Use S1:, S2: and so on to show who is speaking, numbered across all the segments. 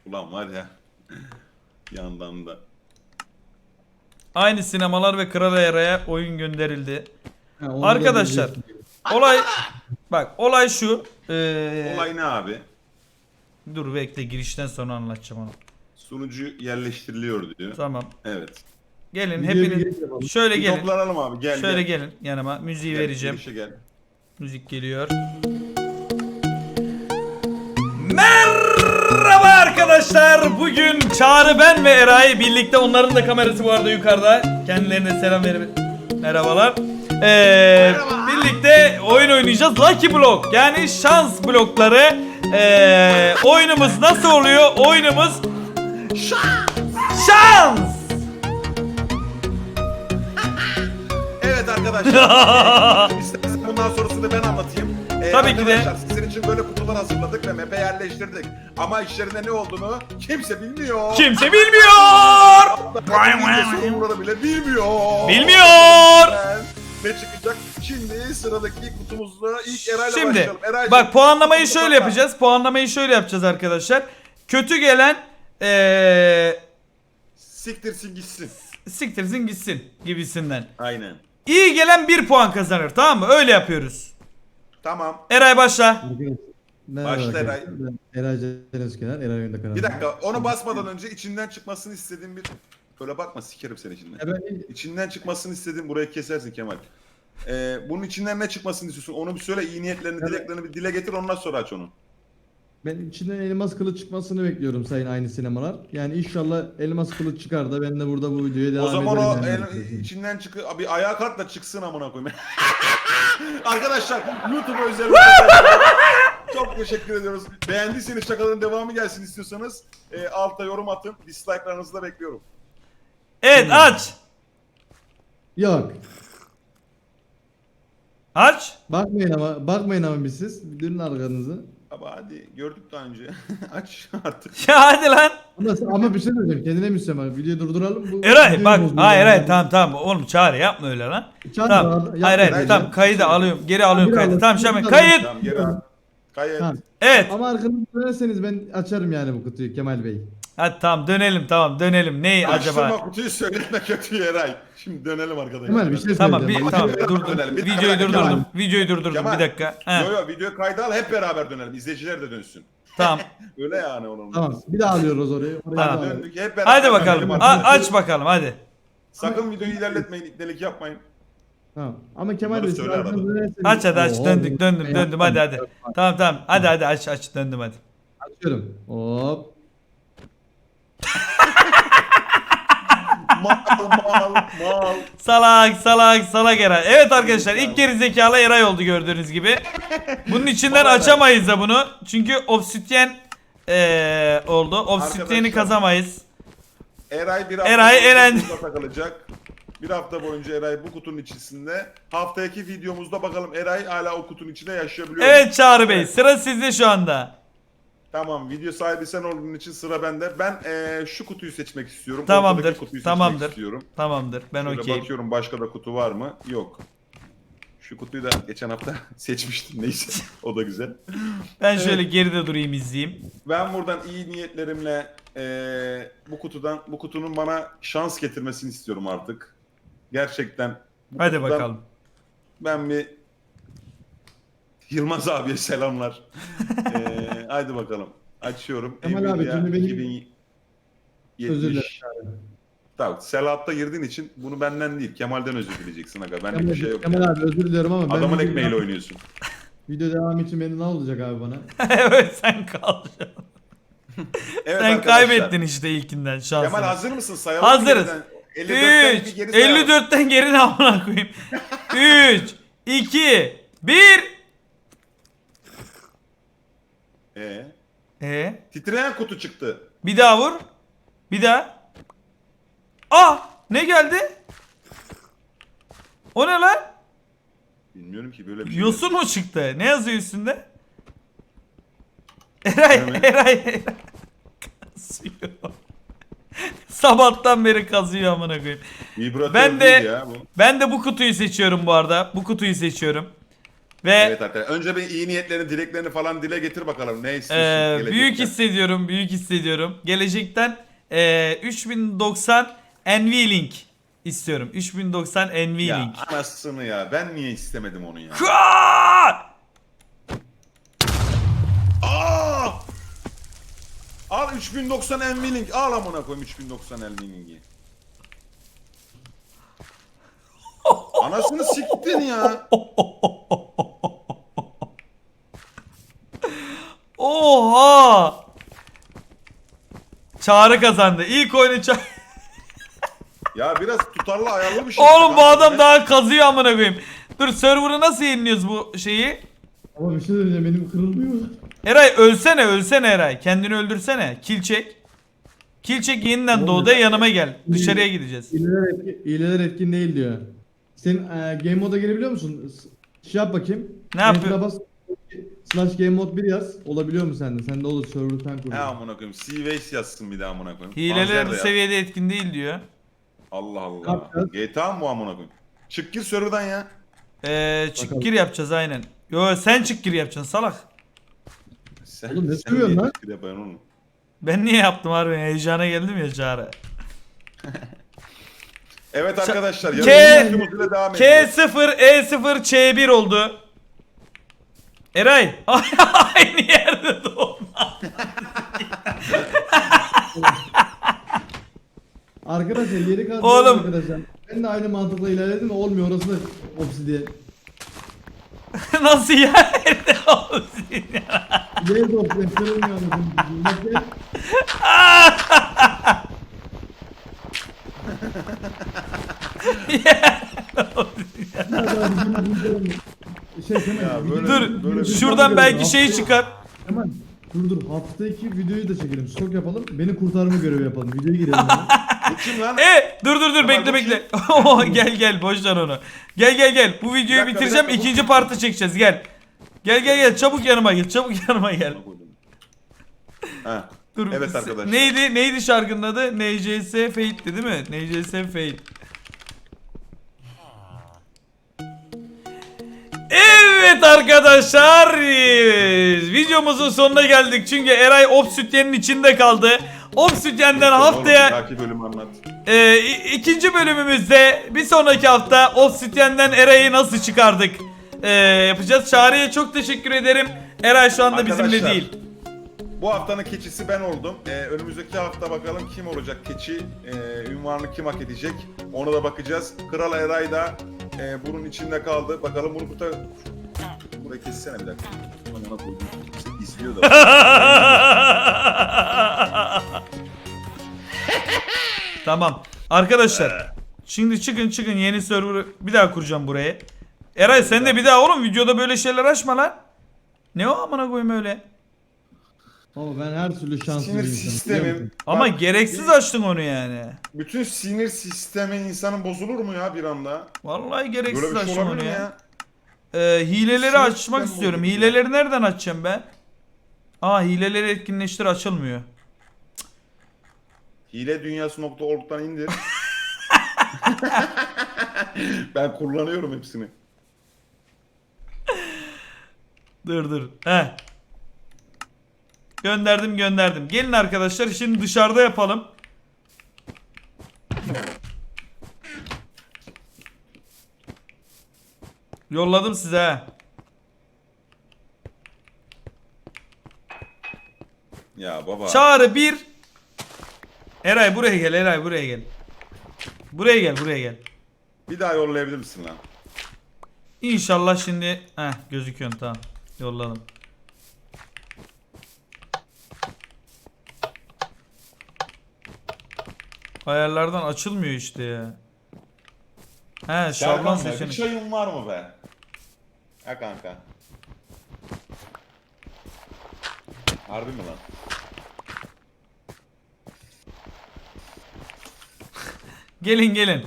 S1: Ulan var ya. Yandan da.
S2: Aynı sinemalar ve Kral Eray'a oyun gönderildi.
S3: Ha, onu da
S2: Arkadaşlar
S3: diyecektim.
S2: olay bak olay şu.
S1: Olay ne abi?
S2: Dur bekle girişten sonra anlatacağım onu.
S1: Sunucu yerleştiriliyor diyor.
S2: Tamam.
S1: Evet.
S2: Gelin
S3: Videoya bir
S2: hepiniz
S3: giriş yapalım.
S2: şöyle
S1: Bir
S2: gelin.
S1: toplanalım abi. Gel
S2: Şöyle
S1: gel.
S2: gelin yanıma. Müziği
S1: Gel,
S2: vereceğim.
S1: girişe gel.
S2: Müzik geliyor. Merhaba arkadaşlar. Bugün Çağrı, ben ve Eray birlikte, onların da kamerası bu arada yukarıda. Kendilerine selam verin. Merhabalar. Birlikte oyun oynayacağız. Lucky Block, yani şans blokları. Oyunumuz nasıl oluyor? Oyunumuz şans.
S1: Evet arkadaşlar. İstersen bundan sonrasını ben anlatayım.
S2: Tabii ki de.
S1: Arkadaşlar sizin için böyle kutular hazırladık ve map'e yerleştirdik. Ama içlerinde ne olduğunu kimse bilmiyor.
S2: Kimse bilmiyor.
S1: Sorumluları bile bilmiyor.
S2: Bilmiyor.
S1: Ne çıkacak? Şimdi sıradaki kutumuzda ilk Eray'la
S2: Şimdi
S1: başlayalım. Eray'cığım,
S2: bak puanlamayı
S1: kutumu
S2: şöyle
S1: kapat.
S2: yapacağız. Puanlamayı şöyle yapacağız arkadaşlar. Kötü gelen
S1: Siktirsin gitsin.
S2: siktirsin gitsin gibisinden.
S1: Aynen.
S2: İyi gelen 1 puan kazanır, tamam mı? Öyle yapıyoruz.
S1: Tamam.
S2: Eray başla.
S3: Arkadaşlar, merhaba
S1: Başla
S3: arkadaşlar.
S1: Eray.
S3: Ben Eray Can Özkener, Eray Oyunda kanalı.
S1: Bir dakika onu basmadan önce içinden çıkmasını istediğim bir... Öyle bakma sikerim seni içinden.
S3: Ben
S1: İçinden çıkmasını istediğim burayı kesersin Kemal. Bunun içinden ne çıkmasını istiyorsun? Onu bir söyle, iyi niyetlerini,
S3: Evet.
S1: dileklerini bir dile getir, ondan sonra aç onu.
S3: Ben içinden elmas kılıç çıkmasını bekliyorum sayın aynı sinemalar. Yani inşallah elmas kılıç çıkar da ben de burada bu videoya devam
S1: O zaman
S3: ederim.
S1: o
S3: yani.
S1: içinden bir ayağa kalk da çıksın amına koyayım. Arkadaşlar YouTube özel çok teşekkür ediyoruz. Beğendiyseniz şakaların devamı gelsin istiyorsanız altta yorum atın. Dislike'larınızı da bekliyorum.
S2: Evet, aç.
S3: Yok.
S2: Aç.
S3: Bakmayın ama bir siz. Dönün arkanızı.
S1: Ama hadi gördük daha önce. Aç artık.
S2: Ya hadi lan.
S3: Ama bir şey söyleyeceğim. Kendine müslüman. Videoyu durduralım. Bu
S2: Eray
S3: videoyu
S2: bak.
S3: bozuyor
S2: Hayır
S3: yani.
S2: hayır, tamam oğlum Çağrı yapma öyle lan.
S3: Çağrı,
S2: Tamam.
S3: yapma.
S2: Hayır hayır,
S1: Bence-
S2: tamam kaydı alıyorum. Geri alıyorum
S3: Geri
S2: kaydı.
S3: alın.
S2: Tamam şimdi
S3: Geri
S2: kayıt.
S1: Tamam geri al. Kayıt.
S3: Tamam.
S2: Evet.
S3: Ama arkanızı dönerseniz ben açarım yani bu kutuyu Kemal Bey.
S2: Hadi tamam dönelim, tamam dönelim. Neyi
S1: Açtırma
S2: acaba?
S1: kutuyu, söyletme kötüyü Eray. Şimdi dönelim arkadaşlar.
S3: Kemal bir şey
S2: Tamam
S3: söyleyeceğim.
S2: tamam
S1: Videoyu
S2: dur
S1: dönelim. Bir dakika,
S2: videoyu
S1: bir dakika.
S2: durdurdum. Videoyu durdurdum
S1: Kemal.
S2: bir dakika. He,
S1: Yo yo videoyu kayda al, hep beraber dönelim. İzleyiciler de dönsün.
S2: tamam.
S1: Öyle yani onun.
S3: Tamam. Bir daha alıyoruz orayı. Oraya
S2: Tamam.
S3: bir daha
S1: Döndük hep beraber.
S2: Hadi bakalım.
S1: dönelim arkadaşlar.
S2: Aç bakalım hadi.
S1: Sakın videoyu ilerletmeyin, ipnelik yapmayın.
S3: Tamam. Ama Kemal
S1: Bunları
S3: Bey siz
S1: söyle
S3: arkanızı
S1: arada.
S3: dönerseniz...
S2: Aç hadi aç.
S3: Oo,
S2: Döndüm hadi hadi. Tamam tamam. Hadi aç döndüm hadi.
S3: Açıyorum. Hop.
S1: Mal.
S2: Salak Eray. Evet arkadaşlar, ilk geri zekalı Eray oldu gördüğünüz gibi. Bunun içinden
S1: Vallahi.
S2: açamayız da bunu. Çünkü obsidyen oldu. Obsidyeni
S1: Arkadaşlar.
S2: kazamayız.
S1: Eray bir hafta
S2: Eray
S1: boyunca
S2: elendi.
S1: kutuda takılacak. Bir hafta boyunca Eray bu kutunun içerisinde. Haftaki videomuzda bakalım Eray hala o kutunun içinde yaşayabiliyor mu?
S2: Evet Çağrı Bey, sıra sizde şu anda.
S1: Tamam, video sahibi sen olduğun için sıra bende. Ben şu kutuyu seçmek istiyorum.
S2: Tamamdır,
S1: Ortadaki kutuyu
S2: tamamdır.
S1: seçmek istiyorum.
S2: Tamamdır, ben
S1: Şöyle
S2: okeyim.
S1: bakıyorum başka da kutu var mı? Yok. Şu kutuyu da geçen hafta seçmiştim, neyse. O da güzel.
S2: Ben şöyle geride durayım, izleyeyim.
S1: Ben buradan iyi niyetlerimle bu kutunun bana şans getirmesini istiyorum artık. Gerçekten. Bu
S2: Hadi
S1: kutudan
S2: bakalım.
S1: Ben bir Yılmaz abiye selamlar. Haydi bakalım. Açıyorum.
S3: Kemal abi,
S1: Nvidia
S3: şimdi benim-
S1: 2070.
S3: Özür dilerim.
S1: Tamam. Selahat'ta girdiğin için bunu benden değil, Kemal'den özür dileyeceksin aga. Bende bir şey yok.
S3: Kemal abi özür diliyorum ama
S1: Adamın
S3: video-
S1: ekmeğiyle oynuyorsun.
S3: Video devam için beni ne olacak abi bana?
S2: Evet, sen kalacaksın.
S1: Evet
S2: Sen
S1: arkadaşlar.
S2: kaybettin işte ilkinden şansını.
S1: Kemal hazır mısın? Sayalım.
S2: Hazırız.
S1: 54'ten
S2: 3
S1: bir geri sayalım.
S2: 54'ten geri ne amına koyayım. 3 2 1
S1: Titreyen kutu çıktı.
S2: Bir daha vur. Bir daha. Ah! Ne geldi? O ne lan?
S1: Bilmiyorum ki böyle bir şey.
S2: Yosun mu çıktı? Ne yazıyor üstünde? Eray,
S1: Evet.
S2: Eray. Kazıyor. Sabahtan beri kazıyor amına koyayım.
S1: Vibratör
S2: Ben de-
S1: değil ya bu.
S2: Ben de bu kutuyu seçiyorum bu arada. Bu kutuyu seçiyorum. Ve
S1: Evet arkadaşlar. Önce bir iyi niyetlerini, dileklerini falan dile getir bakalım. Ne istiyorsun?
S2: büyük
S1: gelecekten?
S2: hissediyorum, büyük hissediyorum. Gelecekten 3090 NVLink istiyorum. 3090 NVLink.
S1: Ya anasını ya. Ben niye istemedim onu ya?
S2: Hıa!
S1: Aa! Al 3090 NVLink. Al amına koyayım 3090 NVLink'i. Anasını siktin ya.
S2: Oha! Çağrı kazandı. İlk oyunu
S1: Ya biraz tutarlı ayarlı bir şey.
S2: Oğlum
S1: işte
S2: bu adam
S1: kanka.
S2: daha kazıyor amına koyayım. Dur server'ı nasıl yeniliyoruz bu şeyi?
S3: Ama bir şey söyleyeceğim, benim kırılmıyor.
S2: Eray ölsene Eray. Kendini öldürsene. Kill çek. Kill çek yeniden
S3: Oğlum
S2: doğdu
S3: ya.
S2: yanıma gel. Dışarıya gideceğiz.
S3: İyileler etkin değil diyor. Sen game moda girebiliyor musun? Şey yap bakayım.
S2: Ne yapıyor?
S3: Enter'a bas. Slash game mod 1 yaz. Olabiliyor mu sende? Sende olur, server'ı sen kur.
S1: He amına koyayım. Seaways yazsın bir daha amına koyayım.
S2: Hileler
S1: Panzer
S2: bu
S1: de yaz.
S2: seviyede etkin değil diyor.
S1: Allah
S3: Ne
S1: Allah.
S3: yapacağız?
S1: GTA mı bu amına koyayım? Çık gir server'dan ya.
S2: Çık
S3: Bakalım.
S2: gir yapacağız aynen. Yo sen çık gir yapacaksın salak.
S1: Sen,
S3: Oğlum ne
S1: sen
S3: söylüyorsun
S1: niye
S3: lan?
S1: çık gir yapıyorsun oğlum?
S2: Ben niye yaptım harbi heyecana geldim ya Çağrı.
S1: Evet arkadaşlar.
S2: K-
S1: Yarın devam ediyoruz.
S2: K0 E0 Ç1 oldu. Eray aynı yerde doğdum.
S3: Arkadaşlar yeri kaldı
S2: Oğlum.
S3: arkadaşlar. Ben de aynı mantıkla ilerledim, olmuyor, orası da obsidiyen.
S2: Nasıl ya? Nerede olsun ya?
S3: Yeri de obsidiyen kırılmıyor anasını. Bak gel. Şey Kemal,
S1: Ya böyle-
S2: Dur
S1: böyle-
S2: şuradan belki şey çıkar.
S3: Kemal dur hafta 2 videoyu da çekelim, stok yapalım, beni kurtarma görevi yapalım, videoya girelim yani.
S1: Bu kim lan?
S2: Dur bekle
S1: bu
S2: bekle. Gel boş ver onu. Gel. Bu videoyu
S1: dakika,
S2: bitireceğim.
S1: bir dakika, bu
S2: İkinci
S1: kim?
S2: partı çekeceğiz. Gel çabuk yanıma gel.
S1: Ha.
S2: Dur.
S1: Evet arkadaşlar.
S2: Neydi şarkının adı? NCS Fate'ti değil mi? NCS Fate. Evet arkadaşlar, videomuzun sonuna geldik çünkü Eray Obsidian'in içinde kaldı. Obsidian'den haftaya
S1: Belki bölümü anlat.
S2: ikinci bölümümüzde bir sonraki hafta Obsidian'den Eray'ı nasıl çıkardık yapacağız. Çağrı'ya çok teşekkür ederim. Eray şu anda bizimle
S1: Arkadaşlar,
S2: değil.
S1: Bu haftanın keçisi ben oldum. Önümüzdeki hafta bakalım kim olacak keçi, ünvanını kim hak edecek. Ona da bakacağız. Kral Eray da bunun içinde kaldı. Bakalım bunu burayı kessene bir dakika. Amına koydum. İzliyor da.
S2: Tamam. Arkadaşlar şimdi çıkın yeni server'ı bir daha kuracağım buraya. Eray sen de bir daha oğlum videoda böyle şeyler açma lan. Ne o amına koyayım öyle.
S3: Ama ben her türlü şanslı
S1: Sinir
S3: bir insanım.
S1: sistemim.
S2: Ama
S1: Bak,
S2: gereksiz açtın onu yani.
S1: bütün sinir sistemi insanın bozulur mu ya bir anda?
S2: Vallahi gereksiz
S1: Böyle bir şey
S2: açtım onu
S1: olabilir mi
S2: ya.
S1: ya?
S2: Hileleri
S1: Sinir
S2: açmak
S1: sistemi
S2: istiyorum.
S1: bozuldu ya.
S2: Hileleri nereden açacağım ben? Hileleri etkinleştir açılmıyor.
S1: Hiledunyası.org'dan indir. Ben kullanıyorum hepsini.
S2: Dur. Gönderdim. Gelin arkadaşlar şimdi dışarıda yapalım. Yolladım size ha.
S1: Ya baba.
S2: Çağrı 1. Eray buraya gel. Buraya gel.
S1: Bir daha yollayabilir misin lan?
S2: İnşallah şimdi gözüküyorsun tamam. Yolladım. Ayarlardan açılmıyor işte ya. Şablon
S1: Serkan be, bir
S2: seçenek.
S1: çayın var mı be? Ha kanka. Harbi mi lan?
S2: Gelin.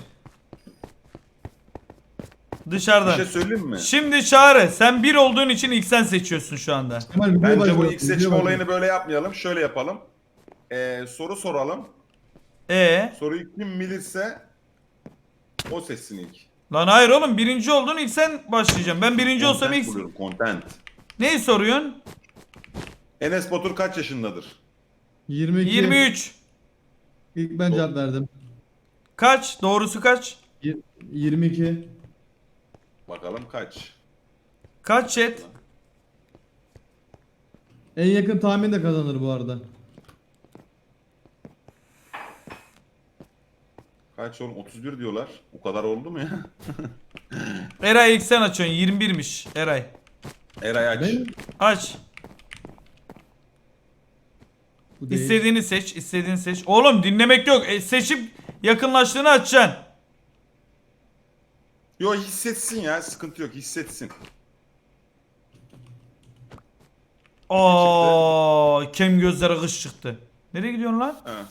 S2: Dışarıdan.
S1: Bir şey söyleyeyim mi?
S2: Şimdi Çağrı sen 1 olduğun için ilk sen seçiyorsun şu anda.
S3: Kemal, videoya
S1: Bence bu
S3: başlayalım,
S1: ilk seçme
S3: videoya başlayalım.
S1: olayını böyle yapmayalım. Şöyle yapalım. Soru soralım. Soruyu kim bilirse o seçsin ilk.
S2: Lan hayır oğlum, birinci oldun, ilk sen başlayacaksın. Ben birinci olsam
S1: Content
S2: ilk...
S1: buluyorum, content.
S2: Neyi soruyorsun?
S1: Enes Batur kaç yaşındadır?
S3: 22.
S2: 23.
S3: İlk ben cevap verdim.
S2: Kaç? Doğrusu kaç?
S3: 22.
S1: Bakalım kaç?
S2: Kaç chat?
S3: En yakın tahmin de kazanır bu arada.
S1: Kaç oğlum? 31 diyorlar. O kadar oldu mu ya?
S2: Eray ilk sen açıyorsun. 21'miş Eray.
S1: Eray aç.
S3: Ben
S2: Aç.
S3: bu değil.
S2: İstediğini seç. İstediğini seç. Oğlum dinlemek yok. Seçip yakınlaştığını açacaksın.
S1: Yo, hissetsin ya, sıkıntı yok, hissetsin.
S2: Kem gözlere kış çıktı. Nereye gidiyorsun lan?
S1: He.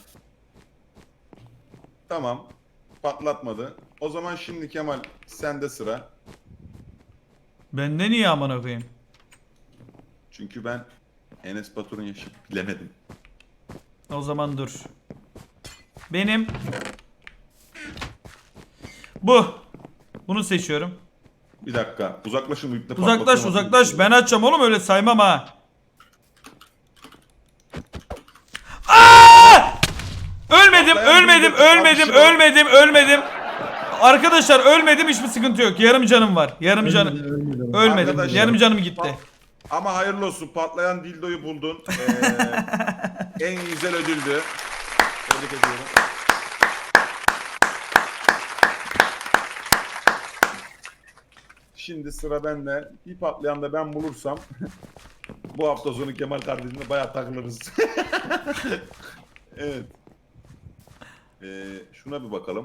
S1: Tamam. Patlatmadı. O zaman şimdi Kemal sende sıra.
S2: Bende niye amına koyayım?
S1: Çünkü ben Enes Batur'un yaşını bilemedim.
S2: O zaman dur. Benim bu. Bunu seçiyorum.
S1: Bir dakika. Uzaklaşın, bu iple
S2: Uzaklaş
S1: patlatıyorum.
S2: uzaklaş. Ben açacağım oğlum, öyle saymam ha. Aa! Ölmedim. Arkadaşlar ölmedim, hiçbir sıkıntı yok. Yarım canım var. Yarım canım.
S3: Ölmedi.
S2: Ölmedim.
S1: Arkadaşlar,
S2: Yarım canım gitti.
S1: Ama hayırlı olsun, patlayan dildoyu buldun. En güzel ödüldü. Tebrik ediyorum. Şimdi sıra bende. Bir patlayan da ben bulursam bu hafta sonu Kemal kardeşimle bayağı takılırız. Evet. Şuna bir bakalım.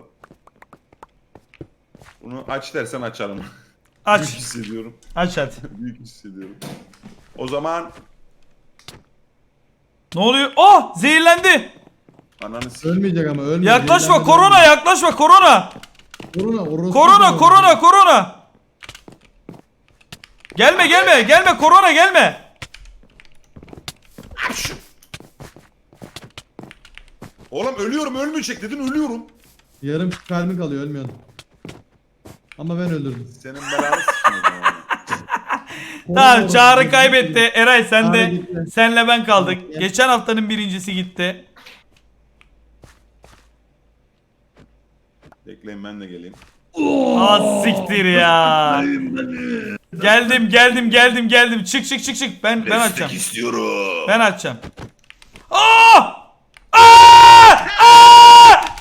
S1: Bunu aç dersen açarım. Büyük
S2: Aç.
S1: hissediyorum.
S2: Aç hadi.
S1: Büyük hissediyorum. O zaman
S2: Ne oluyor? Oh! Zehirlendi.
S1: ananı sikeyim.
S3: Ölmeyecek ama ölmeyecek.
S2: Yaklaşma
S3: Zehirlenmeden
S2: korona,
S3: ölmeyecek.
S2: yaklaşma korona. Korona. Gelme korona gelme.
S1: Oğlum ölüyorum, ölmeyecek dedin, ölüyorum.
S3: Yarım kalbin kalıyor ölmüyorsun. Ama ben öldürdüm.
S1: Senin belanı sikeyim o zaman.
S2: Tamam, Çağrı kaybetti. Eray sen
S3: Çağrı
S2: de,
S3: gitti.
S2: senle ben kaldık.
S3: Tamam, gel.
S2: Geçen haftanın birincisi gitti.
S1: Bekleyin, ben de geleyim.
S2: Az siktir ya. Geldim. Çık. Ben açacağım.
S1: istiyorum.
S2: Ben açacağım. Aa!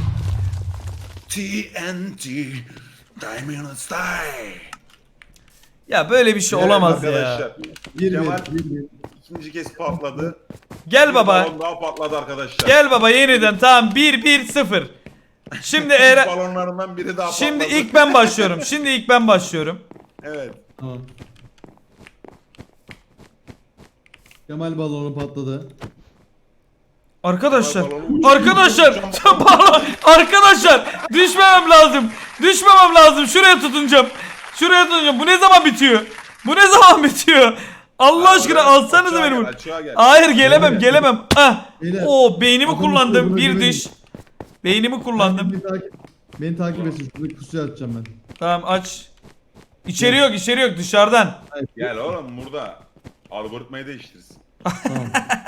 S1: TNT Diamond Style.
S2: Ya böyle bir şey olamaz ya.
S1: Arkadaşlar,
S3: Bir
S1: Kemal
S3: bir.
S1: ikinci kez patladı.
S2: Gel
S1: Bir
S2: baba.
S1: balon daha patladı arkadaşlar.
S2: Gel baba yeniden, tamam 1-1-0. Şimdi
S1: İlk balonlarından biri daha
S2: Şimdi
S1: patladı.
S2: ilk ben başlıyorum.
S1: Evet.
S3: Tamam. Kemal balonu patladı.
S2: Arkadaşlar,
S1: Balonu uçuyor.
S2: arkadaşlar düşmemem lazım. Şuraya tutunacağım. Bu ne zaman bitiyor? Allah aşkına alsanıza beni bunu.
S1: Açığa gel.
S2: Hayır gelemem. Ah.
S3: Beyler,
S2: O beynimi
S3: adamın
S2: kullandım.
S3: sözüne
S2: Bir
S3: güvenin.
S2: diş. Beynimi kullandım.
S3: Beni takip etsin. Şurada kusuya atacağım ben.
S2: Tamam aç. İçeri yok dışarıdan.
S1: Gel oğlum, burada algoritmayı değiştiririz.
S3: Tamam.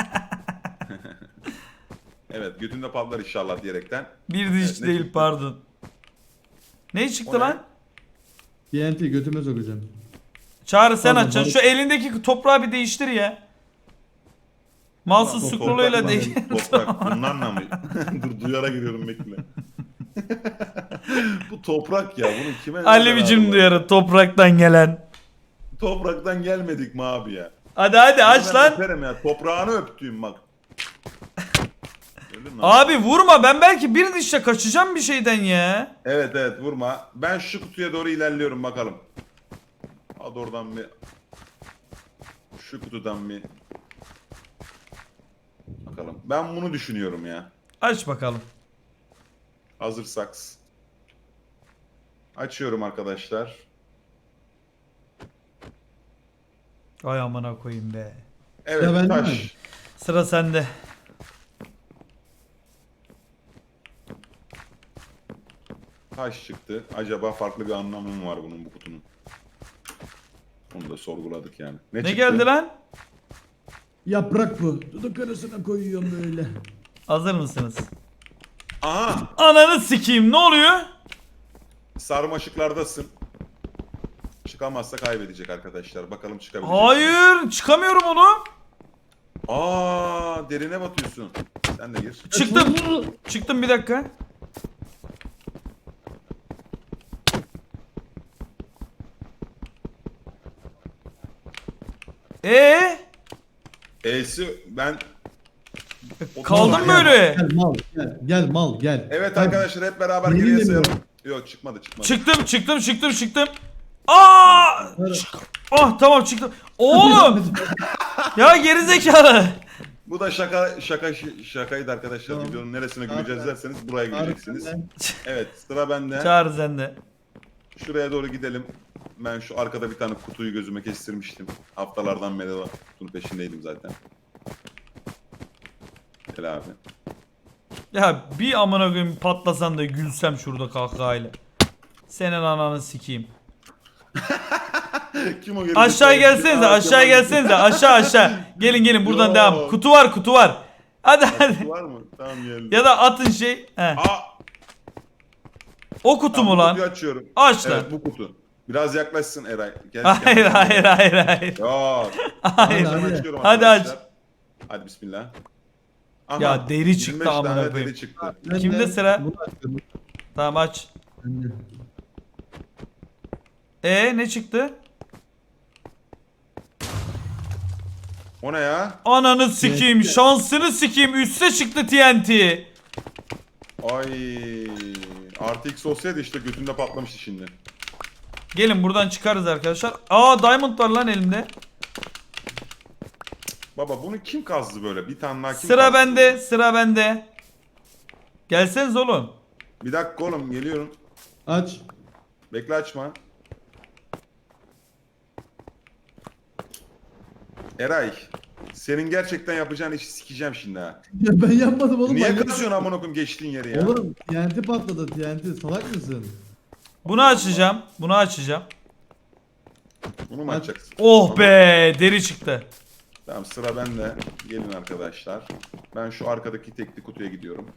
S1: Evet, götünde patlar inşallah diyerekten.
S2: Bir diş
S1: Evet, ne
S2: değil
S1: çıktı?
S2: pardon. Ne çıktı
S1: O ne?
S2: lan?
S3: TNT götüme sokacağım.
S2: Çağrı sen
S3: Pardon,
S2: açacaksın. Şu elindeki toprağı bir değiştir ya. Mouse'un
S1: Ulan,
S2: scroll'uyla
S1: toprak
S2: değil.
S1: mı? Toprak. Bunlarla mı? Dur, duyara giriyorum, bekle. Bu toprak ya. Bunu kime?
S2: Alevicim duyarı topraktan gelen.
S1: Topraktan gelmedik mi abi ya?
S2: Hadi aç
S1: Ben
S2: lan.
S1: öperim ya. Toprağını öptüğüm bak. Öldün lan.
S2: Abi vurma, ben belki bir dişle kaçacağım bir şeyden ya.
S1: Evet vurma. Ben şu kutuya doğru ilerliyorum bakalım. Hadi oradan bir. Şu kutudan bir. Bakalım. Ben bunu düşünüyorum ya.
S2: Aç bakalım.
S1: Hazırsak. Açıyorum arkadaşlar.
S2: Ay amına koyayım be.
S1: Evet,
S3: Ya ben de mi?
S1: taş.
S2: Sıra sende.
S1: Taş çıktı. Acaba farklı bir anlamı mı var bunun, bu kutunun? Onu da sorguladık yani.
S2: Ne
S1: çıktı?
S2: geldi lan?
S3: Yaprak bu. Duduk arasına koyuyorum böyle.
S2: Hazır mısınız?
S1: Aha!
S2: Ananı sikeyim, ne oluyor?
S1: Sarmaşıklardasın. Çıkamazsa kaybedecek arkadaşlar. Bakalım çıkabilecek mi?
S2: Hayır, çıkamıyorum oğlum.
S1: Aa, derine batıyorsun. Sen de gir.
S2: Çıktım. Çıktım, bir dakika.
S1: E'si ben...
S2: Kaldım
S3: Gel,
S2: böyle.
S3: Gel mal gel. Gel mal gel.
S1: Evet
S3: Hadi.
S1: arkadaşlar, hep beraber
S3: Yemin
S1: geriye
S3: ediyorum.
S1: sayalım. Yok, çıkmadı.
S2: Çıktım. Aa! Ah, tamam çıktım. Oğlum! Ya gerizekalı.
S1: Bu da şakaydı arkadaşlar.
S3: Tamam.
S1: Videonun neresine
S3: Tamam.
S1: güleceğiz derseniz buraya güleceksiniz.
S3: Harbiden.
S1: Evet, sıra bende.
S2: Çağır sen de.
S1: Şuraya doğru gidelim. Ben şu arkada bir tane kutuyu gözüme kestirmiştim. Haftalardan beri o kutunun peşindeydim zaten. Gel abi.
S2: Ya bir amına koyayım patlasan da gülsem şurada kahkahayla. Senin ananı sikeyim.
S1: Kim o geri?
S2: Aşağı gelsenize, aşağı gelsenize. Aşağı. Gelin buradan
S1: Yo.
S2: devam. Kutu var. Hadi.
S1: Var mı? Tamam, geldim.
S2: Ya da atın şey. He.
S1: Aa,
S2: O kutu
S1: tamam,
S2: mu
S1: bu
S2: lan?
S1: kutuyu açıyorum.
S2: Aç lan.
S1: Evet, bu kutu. Biraz yaklaşsın Eray. Gel,
S2: Hayır.
S1: Yok.
S2: Hayır.
S1: Ben
S3: Hadi.
S1: açıyorum
S2: Hadi
S1: arkadaşlar. Hadi bismillah. Aha,
S2: Ya deri çıktı
S1: 25
S2: amına
S1: tane
S2: koyayım.
S1: deri çıktı.
S3: Ben
S2: Kimde
S3: de
S2: sıra?
S3: bunu açıyorum.
S2: Tamam aç.
S3: Ben de.
S2: Ne çıktı?
S1: O ne ya?
S2: Ananı sikeyim, şansını sikeyim. Üste çıktı TNT.
S1: Ay, artı X olsaydı işte götümde patlamıştı şimdi.
S2: Gelin buradan çıkarız arkadaşlar. Aa, diamond var lan elimde.
S1: Baba bunu kim kazdı böyle? Bir tane daha kim
S2: Sıra
S1: kazdı?
S2: bende. Gelseniz oğlum.
S1: Bir dakika oğlum, geliyorum.
S3: Aç.
S1: Bekle, açma. Eray, senin gerçekten yapacağın işi sikeceğim şimdi ha.
S3: Ya ben yapmadım oğlum.
S1: Niye
S3: manyak.
S1: kızıyorsun amına koyayım geçtiğin yere ya?
S3: Oğlum TNT patladı TNT. Salak mısın?
S2: Bunu açacağım.
S1: Bunu mu
S3: Aç.
S1: açacaksın?
S2: Oh be, deri çıktı.
S1: Tamam, sıra bende. Gelin arkadaşlar. Ben şu arkadaki tekli kutuya gidiyorum.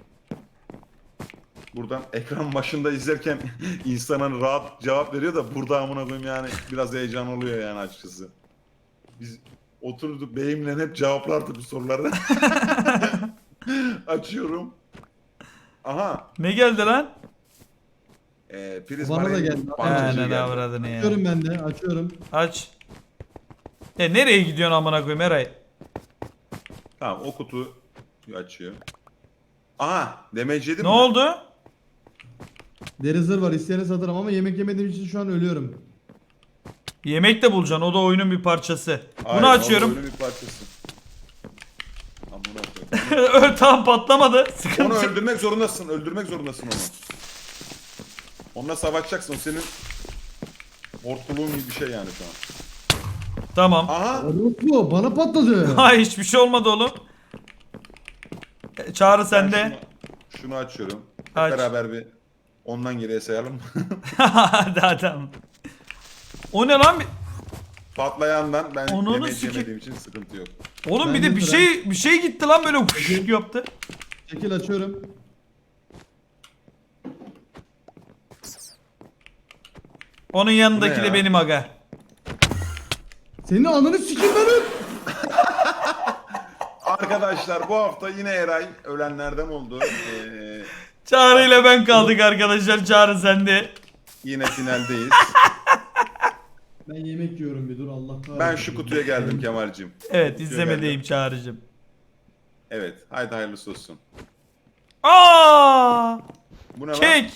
S1: Buradan ekran başında izlerken insanın rahat cevap veriyor da burada amına koyayım yani biraz heyecan oluyor yani açıkçası. Biz oturduk beyimle hep cevaplardık bu soruları. Açıyorum. Aha.
S2: Ne geldi lan?
S1: Prizma
S3: Bana da
S1: renk
S3: geldi.
S1: parçacığı
S2: Ne
S1: geldi.
S2: avradını ya.
S3: Açıyorum ben de. Açıyorum.
S2: Aç. Nereye gidiyorsun amına koyayım Eray?
S1: Tamam, o kutuyu açıyor. Aha, damage yedim
S2: Ne
S1: mi?
S2: oldu?
S3: Deri zırh var. İsteyene satarım ama yemek yemediğim için şu an ölüyorum.
S2: Yemek de bulacaksın. O da oyunun bir parçası.
S1: Hayır,
S2: Bunu
S1: o
S2: açıyorum.
S1: oyunun bir parçası. Amına koyayım.
S2: Tam patlamadı.
S1: Onu
S2: Sıkıntı.
S1: öldürmek zorundasın. Öldürmek zorundasın onu. Onunla savaşacaksın. O senin hortkulluğun gibi bir şey yani şu an.
S2: Tamam.
S1: Aha.
S3: Bu bana patladı.
S2: Hayır, hiçbir şey olmadı oğlum. Çağrı
S1: Ben
S2: sende.
S1: şunu açıyorum. Hep
S2: Aç.
S1: beraber bir ondan geriye sayalım.
S2: Hadi adam. O ne lan?
S1: Patlayandan ben
S2: Onu
S1: yemek
S2: sikeyim.
S1: yemediğim için sıkıntı yok.
S2: Oğlum
S3: Ben
S2: bir de
S3: de
S2: bir şey gitti lan böyle huş yaptı.
S3: Şekil açıyorum.
S2: Onun yanındaki
S1: Bu ne
S2: de
S1: ya?
S2: benim aga.
S3: Senin ananı sikeyim ben öl.
S1: Arkadaşlar bu hafta yine Eray ölenlerden oldu.
S2: Çağrı ile ben kaldık arkadaşlar. Çağrı sende.
S1: Yine finaldeyiz.
S3: Ben yemek yiyorum bir dur Allah kahretsin.
S1: Ben şu kutuya geldim Kemal'cim.
S2: Evet, izlemedeyim Çağrı'cım.
S1: Evet, haydi hayırlısı olsun.
S2: Aa!
S1: Bu ne lan?
S2: Kek.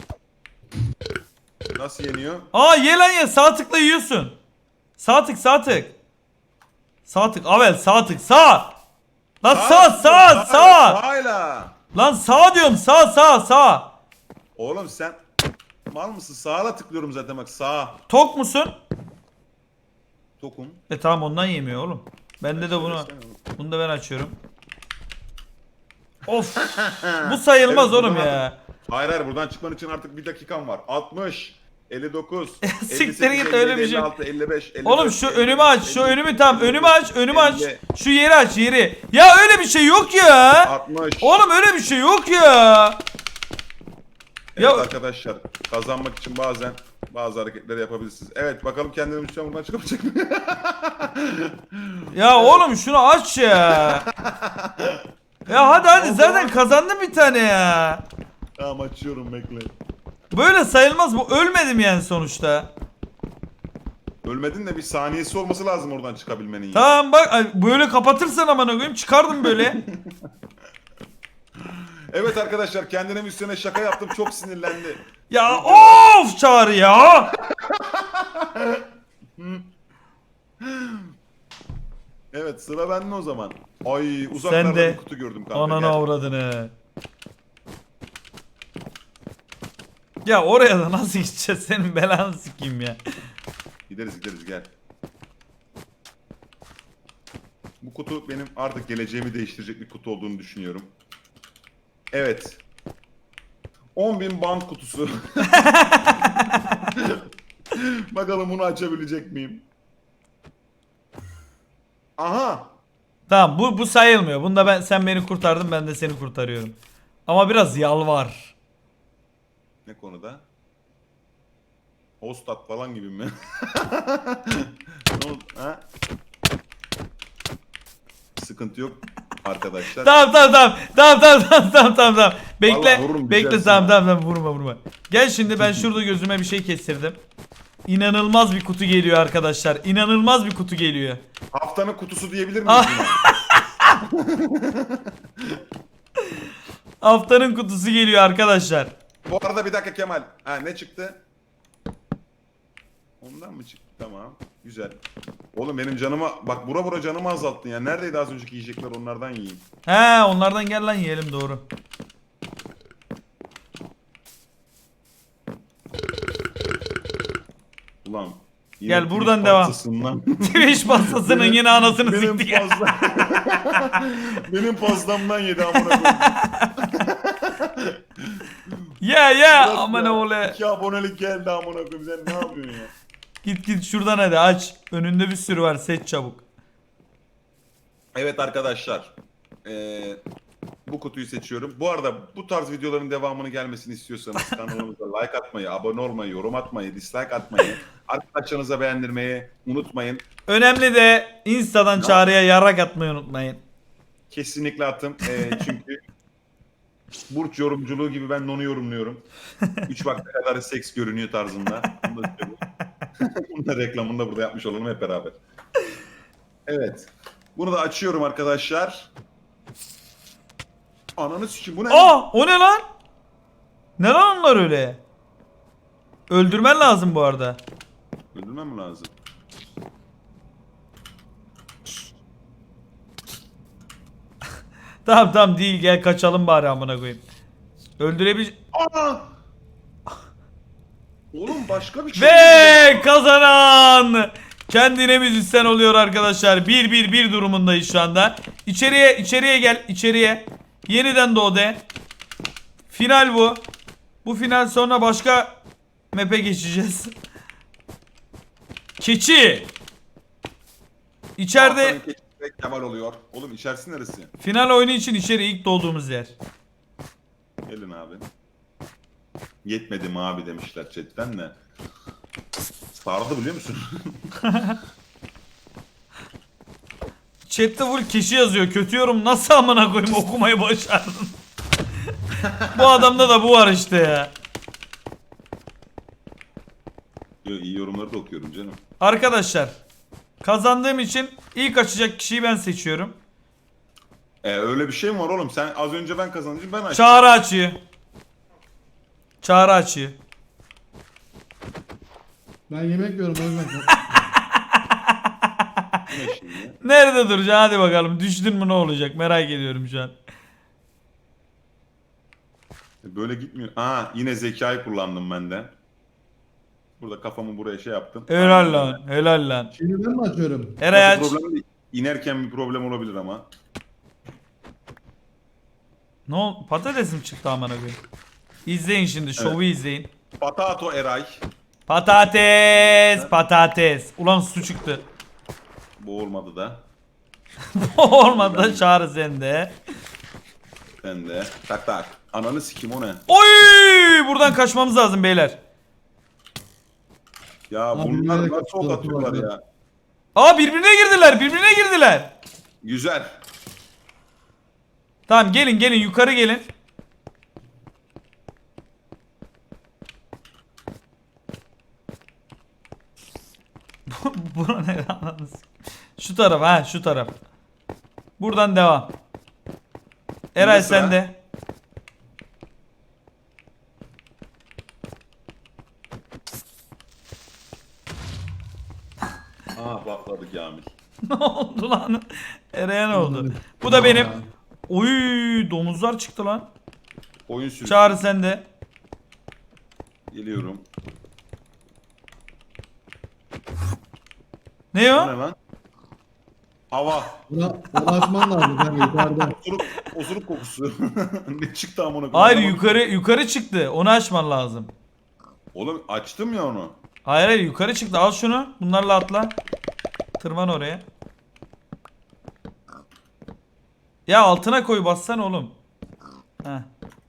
S1: Nasıl yeniyor?
S2: Aa, ye lan ye. Sağ tıkla yiyorsun. Sağ tık. Sağ tık. Avel sağ tık. Sağ. Lan sağ.
S1: Sağla.
S2: Lan sağ diyorum. Sağ.
S1: Oğlum sen mal mısın? Sağa tıklıyorum zaten bak, sağa.
S2: Tok musun?
S1: Tokum.
S2: Tamam, ondan yemiyor oğlum. Bende de bunu.
S1: Söylesene oğlum.
S2: Bunu da ben açıyorum. Of. Bu sayılmaz
S1: Evet,
S2: oğlum
S1: bunu
S2: ya.
S1: Hayır buradan çıkman için artık bir dakikan var. 60, 59,
S2: Siktir
S1: 58,
S2: git, öyle bir şey.
S1: 56, 55, 54,
S2: Oğlum şu önümü aç. Şu
S1: 53,
S2: önümü tam. Önümü aç. Önümü aç.
S1: 50,
S2: Şu yeri aç, yeri. Ya öyle bir şey yok ya.
S1: 60.
S2: Oğlum öyle bir şey yok ya.
S1: Evet
S2: Ya-
S1: arkadaşlar, kazanmak için bazen bazı hareketleri yapabilirsiniz. Evet bakalım kendini müşteri buradan çıkabilecek mi?
S2: Ya oğlum şunu aç ya. Ya hadi zaten kazandım bir tane ya.
S1: Tamam açıyorum bekle.
S2: Böyle sayılmaz bu. Ölmedim yani sonuçta.
S1: Ölmedin de bir saniyesi olması lazım oradan çıkabilmenin.
S2: Tamam bak ay, böyle kapatırsan amına koyayım çıkardım böyle.
S1: Evet arkadaşlar kendine müstene şaka yaptım çok sinirlendi.
S2: Ya of Çağrı ya.
S1: Evet sıra bende o zaman. Ay uzaklarda
S2: Sen de
S1: bir kutu gördüm kanka.
S2: ananı
S1: gel.
S2: avradını. Ya oraya da nasıl gideceğiz senin belanı sikeyim ya.
S1: Gideriz gel. Bu kutu benim artık geleceğimi değiştirecek bir kutu olduğunu düşünüyorum. Evet. 10.000 band kutusu. Bakalım bunu açabilecek miyim? Aha.
S2: Tamam bu sayılmıyor. Bunda sen beni kurtardın ben de seni kurtarıyorum. Ama biraz yalvar.
S1: Ne konuda? Hostat falan gibi mi? Ne oldu? Ha? Sıkıntı yok arkadaşlar.
S2: Tamam. Bekle.
S1: Vallahi vururum,
S2: Bekle
S1: güzelsin
S2: tamam vurma. Gel şimdi ben şurada gözüme bir şey kestirdim. İnanılmaz bir kutu geliyor arkadaşlar. İnanılmaz bir kutu geliyor.
S1: Haftanın kutusu diyebilir miyiz
S2: Ah.
S1: buna?
S2: Haftanın kutusu geliyor arkadaşlar.
S1: Bu arada bir dakika Kemal. Ha ne çıktı? Ondan mı çıktı? Tamam. Güzel. Oğlum benim canıma bak bura canımı azalttın ya. Neredeydi az önceki yiyecekler onlardan yiyeyim.
S2: He onlardan gel lan yiyelim doğru.
S1: Ulan.
S2: Gel, buradan devam.
S1: pastasından-
S2: Twitch pastasının yine anasını
S1: benim
S2: siktik ya.
S1: pasta. Benim pastamdan yedi amına koyayım.
S2: Ya
S1: Bırak
S2: aman
S1: ya.
S2: oğle.
S1: 2 abonelik geldi amına koyayım. Sen ne yapıyorsun ya?
S2: Git şuradan hadi aç. Önünde bir sürü var seç çabuk.
S1: Evet arkadaşlar. Bu kutuyu seçiyorum. Bu arada bu tarz videoların devamını gelmesini istiyorsanız kanalımıza like atmayı, abone olmayı, yorum atmayı, dislike atmayı, arkadaşlarınıza beğendirmeyi unutmayın.
S2: Önemli de Insta'dan Çağrı'ya yarak atmayı unutmayın.
S1: Kesinlikle atın. Çünkü burç yorumculuğu gibi ben onu yorumluyorum. 3 vakte kadar seks görünüyor tarzında. Bunu da söyleyeyim. Bunun da reklamını da burada yapmış olalım hep beraber. Evet. Bunu da açıyorum arkadaşlar. Ananı sikeyim bu ne?
S2: O ne lan? Ne lan onlar öyle? Öldürmen lazım bu arada.
S1: Öldürmem mi lazım?
S2: Tamam değil gel kaçalım bari amına koyayım. Öldürebil...
S1: Aa! Oğlum başka bir şey.
S2: Ve kazanan kendine müzisyen oluyor arkadaşlar. 1-1 durumundayız şu anda. İçeriye gel içeriye. Yeniden doğ de. Final bu. Bu final sonra başka map'e geçeceğiz. Keçi. İçeride
S1: Haftanın keçisi Kemal oluyor. Oğlum içerisi neresi?
S2: final oyunu için içeri ilk doğduğumuz yer.
S1: Gelin abi. Yetmedi mi abi demişler chatten de. Sardı biliyor musun?
S2: Chat'te full keçi yazıyor. Kötü yorum nasıl amına koyayım okumayı başardın. Bu adamda da bu var işte ya.
S1: Yo, iyi yorumları da okuyorum canım.
S2: Arkadaşlar kazandığım için ilk açacak kişiyi ben seçiyorum.
S1: Öyle bir şey mi var oğlum? Sen az önce ben kazanınca ben açtım.
S2: Çağrı açıyor. Çağrı açıyor.
S3: Ben yemek yiyorum o yüzden.
S1: Bu ne şimdi?
S2: Nerede duracaksın hadi bakalım. Düştün mü ne olacak merak ediyorum şu an.
S1: Böyle gitmiyor. Yine zekayı kullandım ben de. Burada kafamı buraya şey yaptım.
S2: Helal lan helal lan.
S3: Şimdi ben mi açıyorum?
S2: Eray aç.
S1: Problem değil. İnerken bir problem olabilir ama.
S2: Ne oldu? Patates mi çıktı amına koyayım? İzleyin şimdi şovu izleyin.
S1: Patato Eray.
S2: Patates, patates. Ulan su çıktı.
S1: Bu olmadı da.
S2: Olmadı da Çağrı sende.
S1: Ben de. Tak tak. Ananı sikim o ne?
S2: Oy! Buradan kaçmamız lazım beyler.
S1: Ya
S3: Abi,
S1: bunlar
S3: nereye
S1: nasıl ok
S3: kaçtılar?
S1: atıyorlar ya?
S2: Aa birbirine girdiler, birbirine girdiler.
S1: Güzel.
S2: Tamam gelin gelin yukarı gelin. Bura ne anladınız? Şu taraf ha şu taraf. Buradan devam. Eray
S1: Şimdi sıra.
S2: sen de.
S1: Aa patladı Kamil.
S2: Ne oldu lan? Eray'a ne oldu? Bu da benim. Oy domuzlar çıktı lan.
S1: Oyun sürüsü.
S2: Çağrı sen de.
S1: Geliyorum.
S2: Ne
S1: Bu
S2: o?
S1: ne lan? Hava.
S3: Buna atman lazım kanka yukarıda.
S1: Osuruk kokusu. Ne çıktı amına koyayım?
S2: Hayır
S1: Anlamadım.
S2: yukarı çıktı. Onu açman lazım.
S1: Oğlum açtım ya onu.
S2: Hayır hayır yukarı çıktı. Al şunu. Bunlarla atla. Tırman oraya. Ya altına koy bassana oğlum. Heh.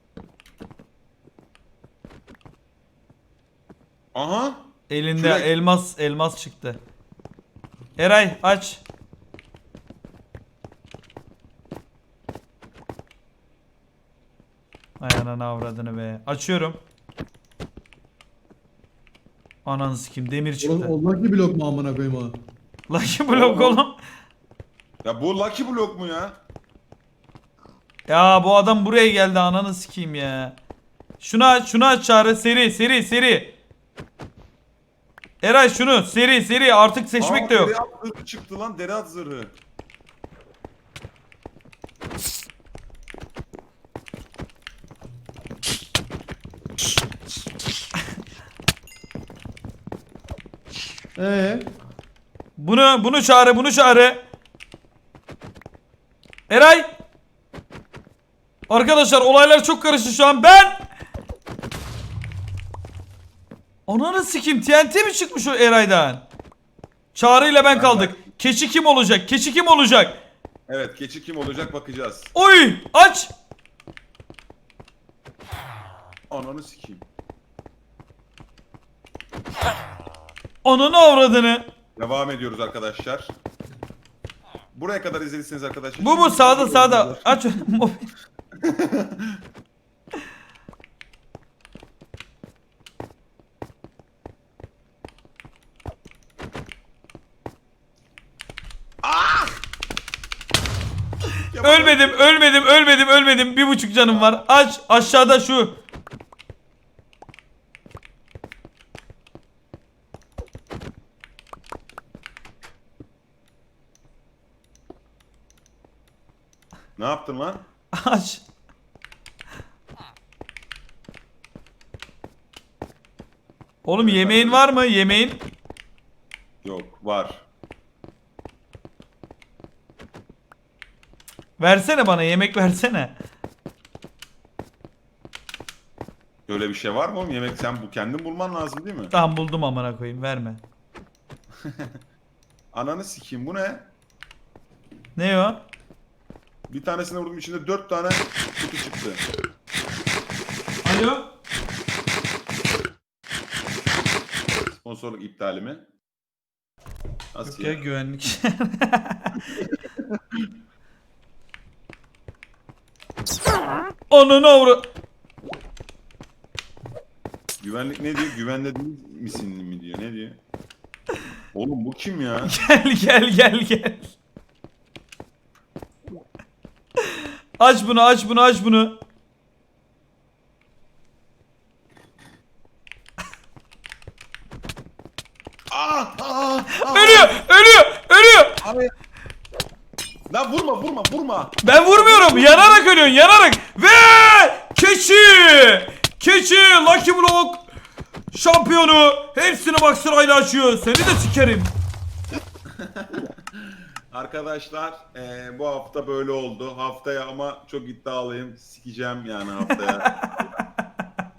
S1: Aha.
S2: Elinde
S1: Kürek.
S2: elmas çıktı. Eray aç. Ay ananı avradını be. Açıyorum. Ananı sikeyim demir
S3: Oğlum
S2: çıktı.
S3: o lucky blok mu amına koyayım o?
S2: Lucky block oğlum.
S1: Ya bu Lucky Block mu ya?
S2: Ya bu adam buraya geldi ananı sikeyim ya. Şunu aç Çağrı seri. Eray şunu seri artık seçmek de yok.
S1: Deri at zırhı çıktı lan, deri at zırhı.
S2: Bunu çağrı. Eray. Arkadaşlar olaylar çok karıştı şu an. Ananı sikeyim TNT mi çıkmış o Eray'dan? Çağrı ile ben kaldık. Keçi kim olacak?
S1: Evet, keçi kim olacak bakacağız.
S2: Oy aç.
S1: Ananı sikeyim.
S2: Ananı avradını.
S1: Devam ediyoruz arkadaşlar. Buraya kadar izlediyseniz arkadaşlar.
S2: Bu sağda. Aç. Ölmedim. 1,5 canım var. Aç aşağıda şu.
S1: Ne yaptın lan?
S2: Aç. Oğlum yemeğin var mı? Yemeğin?
S1: Yok, var.
S2: Versene bana yemek versene.
S1: Öyle bir şey var mı oğlum? Yemek sen kendin bulman lazım değil mi?
S2: Tamam buldum amına koyayım verme.
S1: Ananı sikeyim, bu ne?
S2: Ne o?
S1: Bir tanesine vurdum, içinde 4 tane kutu çıktı.
S2: Alo?
S1: Sponsorluk iptali mi? Nasıl
S2: Yok ya
S1: ya?
S2: güvenlik. Ananı avra.
S1: Güvenlik ne diyor? Güvende değil misin mi diyor? Ne diyor? Oğlum bu kim ya?
S2: Gel. Aç bunu. Ölüyor.
S1: Abi. Lan vurma.
S2: Ben vurmuyorum. Yanarak ölüyorsun. Ve keçi Lucky Block şampiyonu hepsini bak sırayla açıyor. Seni de sikerim.
S1: Arkadaşlar bu hafta böyle oldu. Haftaya ama çok iddialıyım. Sikeceğim yani haftaya.